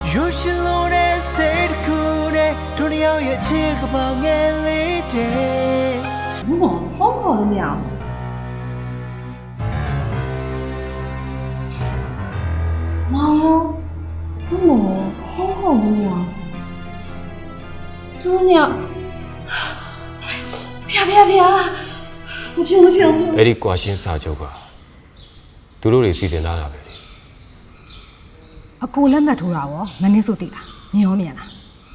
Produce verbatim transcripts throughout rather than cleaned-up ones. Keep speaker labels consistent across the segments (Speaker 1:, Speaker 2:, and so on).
Speaker 1: You should know that said cool day တို့နှစ်ယောက်ရဲ့ချစ်ကပောင်ငယ်လေးတဲ့
Speaker 2: ဘုမောဖုန်းခေါ်လို့မရအောင်မောင်ရောဘုမောဖုန်းခေါ်လို့မရအောင်သူညဖျားဖျားဖျားမဖြစ်မဖြစ်ဘူး
Speaker 3: အဲ့ဒီကွာရှင်းစာချုပ်ကသူတို့တွေစီစဉ်လာတာပဲ
Speaker 4: အကိုလက်မှတ်ထိုးတာရောမင်းစုသိလားမြင်ရောမြင်လား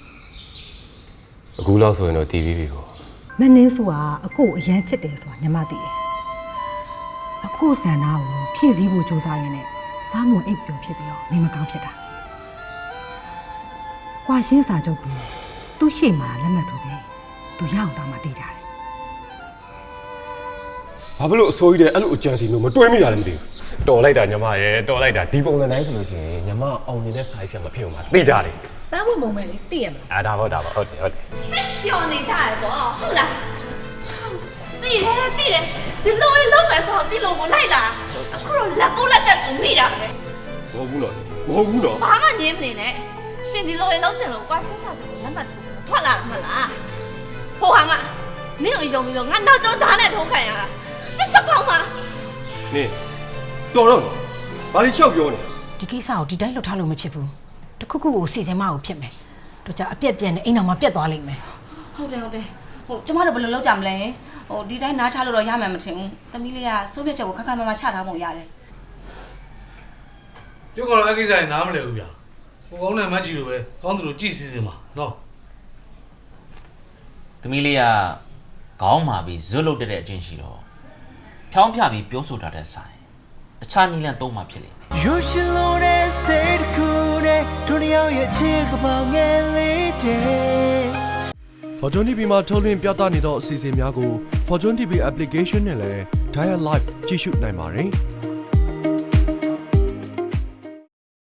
Speaker 3: အခုလောက်ဆိုရင်တော့တီးပြီးပြီပေါ့
Speaker 4: မင်းစုကအကိုအရန်ချစ်တယ်ဆိုတာညီမသိတယ်အကိုစံနာကိုဖြည့်ဆည်းဖို့ကြိုးစားရင်းနဲ့စားမွန်အိပ်ပျော်ဖြစ်ပြီးတော့နေမကောင်းဖြစ်တာကွာရှင်းစာချုပ်ကသူ့ရှေ့မှာလက်မှတ်ထိုးတယ်သူရအောင်တောင်းမှတေးကြတယ်
Speaker 3: ဘာဖြစ်လို့အစိုးရတဲ့အဲ့လိုအကြံစီမျိုးမတွေးမိတာလည်းမသိဘူးတော်လိုက်တာညီမရဲ့တော်လိုက်တာဒီပုံစံတိုင်းဆိုလို့ရှိရင်ညီမအောင်နေတဲ့ size ကမဖြစ်အောင်မသိကြတယ်
Speaker 2: စမ်းဝင်ပုံမဲ့လေးသိရမလား
Speaker 3: အာဒါပေါ့ဒါပေါ့ဟုတ်တယ်ဟုတ်တယ်
Speaker 5: ပျော်နေကြရပေါ့ဟုတ်လားတိတယ်တိတယ်ဒီလိုလေးလုံးမယ်ဆိုတော့ဒီလိုကိုလိုက်လာအခုတော့လက်ပုတ်လက်ချက်ကိုမိတာပဲ
Speaker 3: မဟုတ်ဘူးတော့မဟုတ်ဘူးတော့
Speaker 5: ဘာမှညင်းမနေနဲ့ရှင်ဒီလိုလေးလုံးချင်လို့ကွာရှင်းစာချုပ်ကိုလက်မှတ်ထိုးထွက်လာတာမလားဟိုဟာမမင်းကိုယုံပြီးတော့ငါနောက်ကျောင်းဓာတ်နဲ့ထိုးခံရတာတစ်စပေါင်းမှာ
Speaker 3: နေတော်တော့ဘာလို့ရှောက်ပြောနေ
Speaker 6: ဒီကိစ္စကိုဒီတိုင်းလှုပ်ထားလို့မဖြစ်ဘူးတခုခုကိုစီစဉ်မအောင်ဖြစ်မယ်တို့ကြအပြက်ပြက်နဲ့အိမ်တော်မှာပြက်သွားလိမ့်မယ်
Speaker 5: ဟုတ်တယ်ဟုတ်တယ်ဟိုကျမတို့ဘယ်လိုလုပ်ကြမလဲဟိုဒီတိုင်းနားချလို့တော့ရမယ်မထင်ဘူးသမီးလေးကစိုးပြက်ချက်ကိုခက်ခက်မမချထားမှရတယ်
Speaker 7: ပြုတ်ကောလည်းကိစ္စရင်နားမလဲဘူးဗျာဟိုကောင်းတဲ့မတ်ကြီးလိုပဲကောင်းသူတို့ကြည့်စီစဉ်ပါနော်
Speaker 8: သမီးလေးကခေါင်းမာပြီးဇွတ်လုတ်တဲ့အချင်းရှိတော့ဖြောင်းပြပြီးပြောဆိုတာတဲ့ဆိုင်အခြားနီလန်သုံးမှဖြစ်လေ
Speaker 1: You should know that said cool day တို့နှစ်ယောက်ရဲ့ချစ်ကပောင်ငယ်လေးတဲ့
Speaker 9: Fortune တီဗီ မှာထုတ်လွှင့်ပြသနေသောအစီအစဉ်များကို Fortune တီဗီ application နဲ့လည်း Dial Live ကြည့်ရှုနိုင်ပါတယ်။